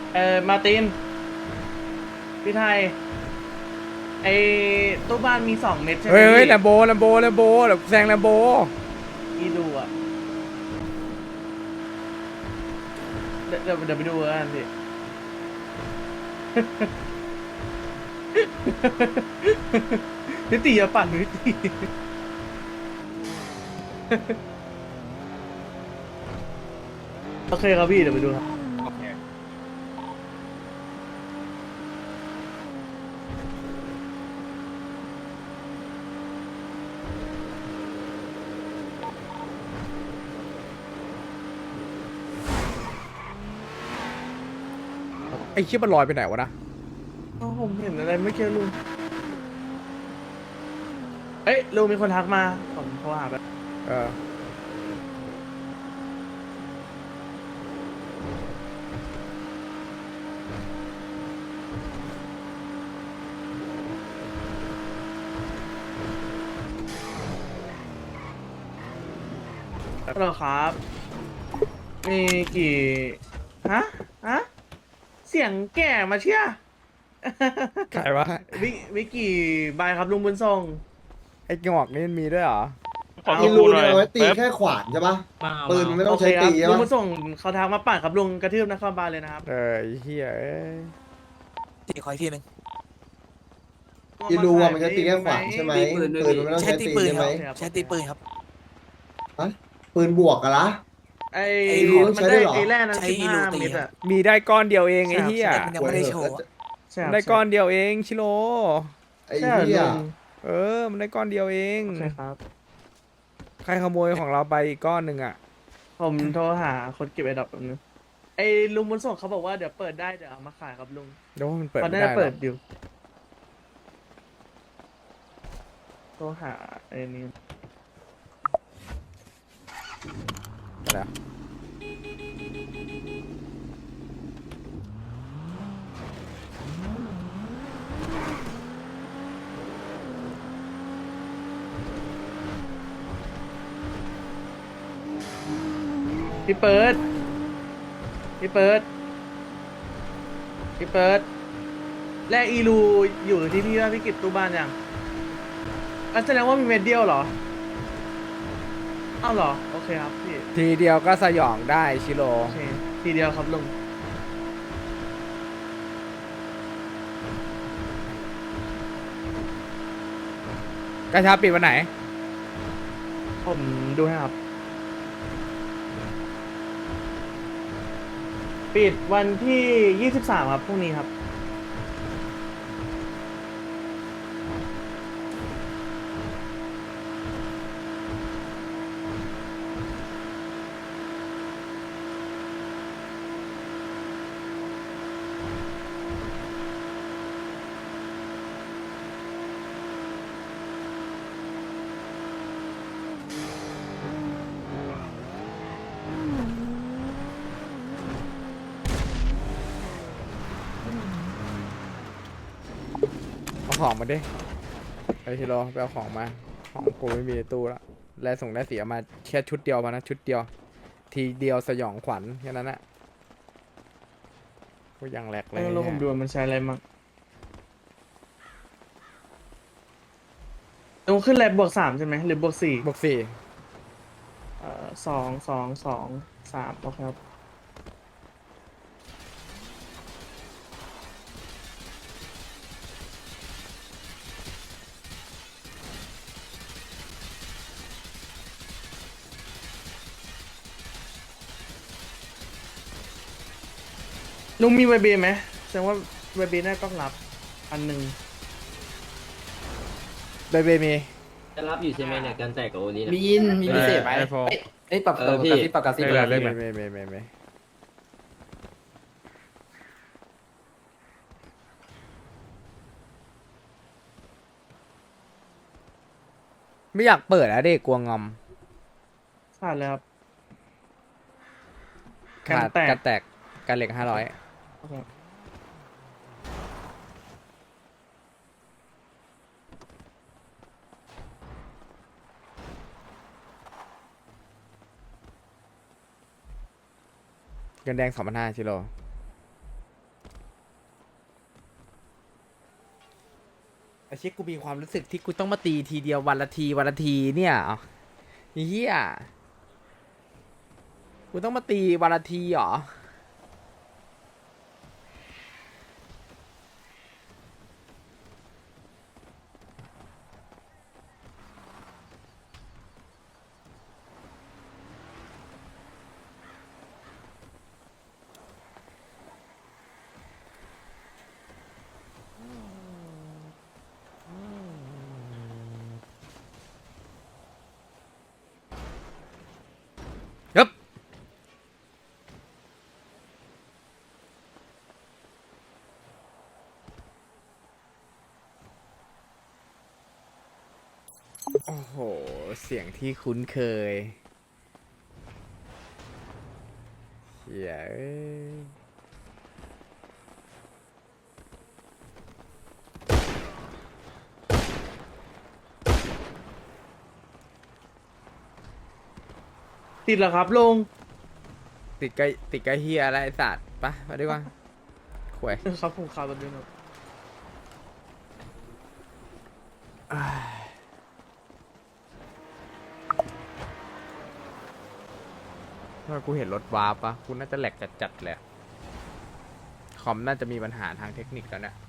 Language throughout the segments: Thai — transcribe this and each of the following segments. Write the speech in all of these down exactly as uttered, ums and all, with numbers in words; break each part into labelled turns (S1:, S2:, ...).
S1: เออมาร์ตินพี่ไทยไอตู้บ้านมีสองเม็ดใช่ไหม
S2: เฮ้ยเฮ้ย
S1: พี่
S2: แลมโบแลมโบแลมโบเดี๋ยวแซงแลมโบ
S1: พี่ดูอ่ะเดี๋ยวเดี๋ยวเดี๋ยวไปดูกันพี่ นิติอย่าปั่นนิติโอเคครับพี่เดี๋ยวไปดูครับ
S3: โอเค
S2: ไอ้เชี่ยมันลอยไปไหนวะนะ
S1: อ๋อผมเห็นอะไรไม่เกี่ยวลุงเอ้ยลุงมีคนทักมาผมโทรหาแบบ
S2: เออ
S1: ฮัลโหลครับมีกี่ฮะฮะเสียงแก่มาเชีย
S2: ใครวะ
S1: วิวิกี่ใบครับลุงบุญทรง
S2: ไอ้งอกนี่มันมีด้วยเหรอ
S3: ขอ
S1: เอา
S3: ดู
S4: อีลู
S3: หน่
S4: เนี่
S3: อย
S4: ยเอาไว้ตี
S3: แป๊บ
S4: แค่ขวานใช่ปะ
S5: มาเอา
S4: ปืน
S5: มา
S4: ไม่
S1: โอ
S4: ต้อง
S1: เค
S4: ใช้
S1: ครับ
S4: ตีใช่
S1: ลุง
S4: ปะ
S1: บุญส่งเขาทักมาปั่นครับลุงกระทืบนครบาลเลยนะครับ
S2: เออไอ้เฮียเอ้ย
S5: ตีขออีกทีหนึ่ง
S4: อีลูอะมันจะตีแค่ขวานใช่ไหม
S5: ตีปืนด้วย
S4: ปืนมันไม่ต้อง
S5: ใช้
S4: ใช้
S5: ตี
S4: ตี
S5: ปืน
S4: ใช่
S5: ค
S4: ไหม
S5: รับใช้ตีปืนครับ
S4: ปืนบวกกันละ
S1: ไอ้
S5: ไอ้
S4: ลุงต้อง
S1: มัน
S4: ใช้
S1: ได้
S4: ด้วยเหรอ
S1: ไอ้แร่นั้น
S5: ใช้
S1: สิบ
S5: อีลู
S1: ห้า
S5: ตี
S1: เมตร
S5: ครั
S1: อะ
S5: บ
S2: มีได้ก้อนเดียวเองไอ้เฮีย
S5: มันยังไม่ได้โชว์อะ
S1: ใช่ครับ
S2: ได้ก้อนเดียวเองชิโร่
S4: ไอ้
S1: ใช่
S4: เหี้ย
S1: ลุง
S2: เออมันได้ก้อนเดียวเอง
S1: ใช่ครับ
S2: ใครขโมยของเราไปอีกก้อนหนึ่งอ่ะ
S1: ผมโทรหาคนเก็บไอ้ดอกแบบนึงไอ้ลุงบุญส่งเขาบอกว่าเดี๋ยวเปิดได้เดี๋ยวเอามาขายครับลุง
S2: เดี๋ยวว่ามันเปิด
S1: เขา
S2: ไม่
S1: น่า
S2: ได้
S1: จะ
S2: หร
S1: เปิ
S2: อ
S1: ดอยู่โทรหาไอ้นี่
S2: อะไรอะ
S1: พี่เปิดพี่เปิดพี่เปิดแร่อีลูอยู่ที่พี่ว่าพี่กิจตู้บ้านยังอันแสดงว่ามีเม็ดเดียวเหรออ้าวเหรอโอเคครับพี่
S2: ทีเดียวก็สยองได้ชิโร่
S1: โอเคทีเดียวครับลุง
S2: กระชาปิดวันไหน
S1: ผมดูให้ครับ ปิดวันที่ยี่สิบสามครับพรุ่งนี้ครับ
S2: เอาของมาดิไปชิโร่ไปเอาของมาของกูไม่มีในตู้ละแลส่งได้เสียมาแค่ชุดเดียวมานะชุดเดียว ทีเดียวสยองขวัญแค่นั้นแหละก็ยังแหลกเล
S1: เอย อแล้วผมดูว่ามันใช้อะไรมั่งลงขึ้นแลบบวกสามใช่ไหมหรือบวกสี่
S2: บวกสี่
S1: เอ่อสองสองสองสามโอเคครับลุงมีไวเบไหมแสดงว่าไวเบน่าต้องรับอันหนึ่ง
S2: เบเบมี
S6: จะรับอยู่ใช่ไหมเนี่ยการแตกกับโอนี้นะ
S7: มีอินมีพิเศษไหม
S2: ไอ้พอ
S7: เอ้ยเอ้ยปรับ
S6: เอ
S7: เอ
S6: อ
S7: อ
S6: พี่
S7: กระซิบปรับกระซิบ
S2: ไม่
S7: เล
S2: ได้
S7: ย
S2: ไม่ไม่ไม่ไม่ไม่ไม่อยากเปิดอะเด็กกลัวงอม
S1: ขาดเลยครับ
S2: ขาด
S1: กันแตก
S2: กันแตกกันเหล็กห้าร้อย
S1: โอเค
S2: เงินแดงสองพันห้าชิโร่ไอ้เชี่ยกูมีความรู้สึกที่กูต้องมาตีทีเดียววันละทีวันละทีเนี่ยอ๋อเฮียกูต้องมาตีวันละทีเหรอครับโอ้โหเสียงที่คุ้นเคยเฮียเอ้ย
S1: ติดเหรอครับลุง
S2: ติดใกล้ติดใกล้เฮียอะไรไอ้สัตว์ปะมาดีกว่าขวย
S1: ครับผมข่าวตอนนี้ครับ
S2: ถ้ากูเห็นรถวาร์ปปะกูน่าจะแหลกจัดๆเลยอะคอมน่าจะมีปัญหาทางเทคนิคแล้วเนี่ย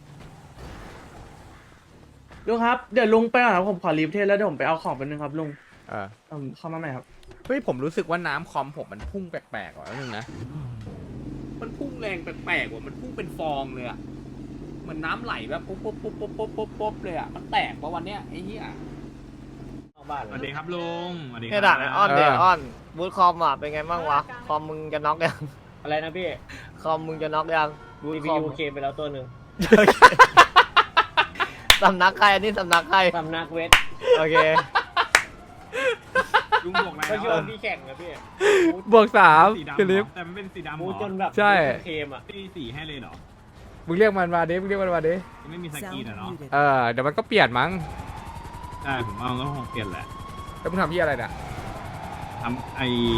S1: ลุงครับเดี๋ยวลุงไปก่อนครับผมขอรีบเทสแล้วเดี๋ยวผมไปเอาของไปบนึงครับลุง
S2: เออ
S1: ผมเข้ามาใหม่ครับ
S2: เฮ้ยผมรู้สึกว่าน้ำคอมผมมันพุ่งแปลกๆว่ะนึงนะมันพุ่งแรงแปลกๆว่ะมันพุ่งเป็นฟองเลยอะมันน้ำไหลแบบปุ๊บปุ๊บปุ๊บปุ๊บปุ๊บปุ๊บปุ๊บเลยอะมันแตกปะวันเนี้ยไอ้เหี้ย
S3: สวัสดีครับลุงสวัสดีค
S7: แค่
S3: รั
S7: ด่าไอ้อ้อนเดี๋ยว
S2: เออ
S7: อ้อนบูทคอมอ่ะเป็นไงบ้างวะคอมมึงจะน็อกยัง
S6: อะไรนะพี่
S7: คอมมึงจะน็อกยังบูท
S6: ซี
S7: ค
S6: พี
S7: อม
S6: ยูเคไปแล้วตัวหนึ่ง
S7: สำนักใครอันนี้สำนักใคร
S6: สำนักเวท
S7: โอเค
S3: ลุงบอกอะไร
S6: ก็
S3: นะ
S6: โยนพี่แข่งนะพี่
S2: บวกสาม
S3: สีดำ
S2: คลิป
S3: เหรอแต่มันเป็นสีดำเห
S6: มู
S3: ร
S6: จ
S3: อน
S6: แบบ
S2: ใช่
S6: เคมอ่ะ
S3: ตีสีให้เลยเหรอ
S2: มึงเรียกมันมาดิมึงเรียกมันมาดิ
S3: ไม่มีสกรีนอะเนาะ
S2: เออเดี๋ยวมันก็เปลี่ยนมั้ง
S3: ใช่ผมว่ามันก็คงเปลี่ยนแหละ
S2: แล้วมึงทำที่อะไรเนี่ย
S3: ทำไอ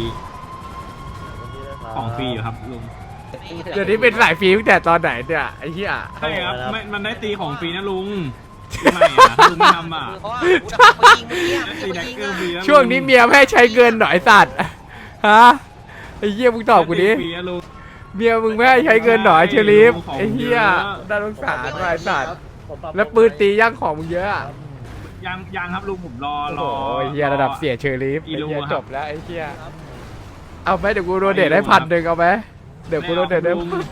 S3: ของฟรีอยู่ครับลุง
S2: เดี๋ยวนี้เป็นสายฟรีตั้งแต่ตอนไหนเนี่ยไอ้เหี้ย
S3: ใช่ครับไม่มันได้ตีของฟรีนะลุงไม่อะลุงไม่ทำอ่ะ
S5: เพราะว่ากูจะไปยิงเมื่อกี้
S3: ได้
S5: มึง
S3: ตี
S5: จะไป
S3: แดก
S5: ยิง
S3: เกอร์ฟรีแล้ว
S2: ช่วงนี้เมียไม่ให้ใช้เงินหน่อยไอ้สัตว์ฮะไอ้เหี้ยมึงตอบกูดิ
S3: ฟรีนะลุง
S2: เมียมึงไม่ให้ใช้เงินหน่อยเชลิฟ
S3: ของ
S2: ไอ้เหี้ย
S3: เยอะ
S2: น่าสงสารว่ะไอ้สัตว์แล้วปืนตีย่างของมึงเยอะอะ
S3: ยังยังครับลุงผมรอร
S2: โอ้
S3: อ
S2: โหไอ้เหี้ยระดับเสียเชลิฟ
S3: อี
S2: ไอ้
S3: ลู
S2: เหี้ย
S3: ครับ
S2: จบแล้วไอ้เหี้ยเอาไหมเดี๋ยวกูโดนเดทให้พันหนึ่งเอาไหมเดี๋ยวกูโดนเดทได้
S3: ไม่เอาลุง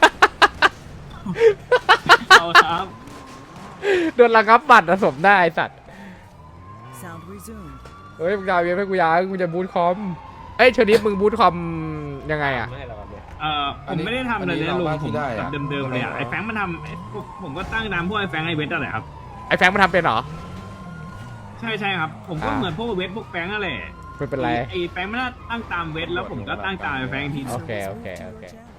S3: เอาครับ
S2: โดนระงับบัตรนะสมได้ไอ้สัตว์
S8: Sound resumed.
S2: เฮ้ยมึงดาวเวียนให้กูยังกูจะบูทคอมเอ้ยเชลิฟมึงบูทคอมยังไงอะ
S6: ไม่ให้เราครับเนี่ย
S3: เอ่อผมไม่ได้ทำอะไรเลยนะลุงผมแบบเดิมๆเลยอ่ะไอ้แฟงมันทำไอ้พวกผมก็ตั้งตามพวกไอ้แฟงไอ้เวทอะไรครับ
S2: ไอ้แฟงมันทำเป็นเหรอ
S3: ใช่ใช่ครับ ผมก็
S2: อ่า
S3: เหมือนพวกเวทพวกแฟงนั่นแหละ
S2: ไม่เป็นไร
S3: ไอ้แฟงมันตั้งตามเวทแล้วผมก็ตั้งตามไอ้แฟงอีกทีนึง
S2: โอเคโอเคโอเค
S8: Channel.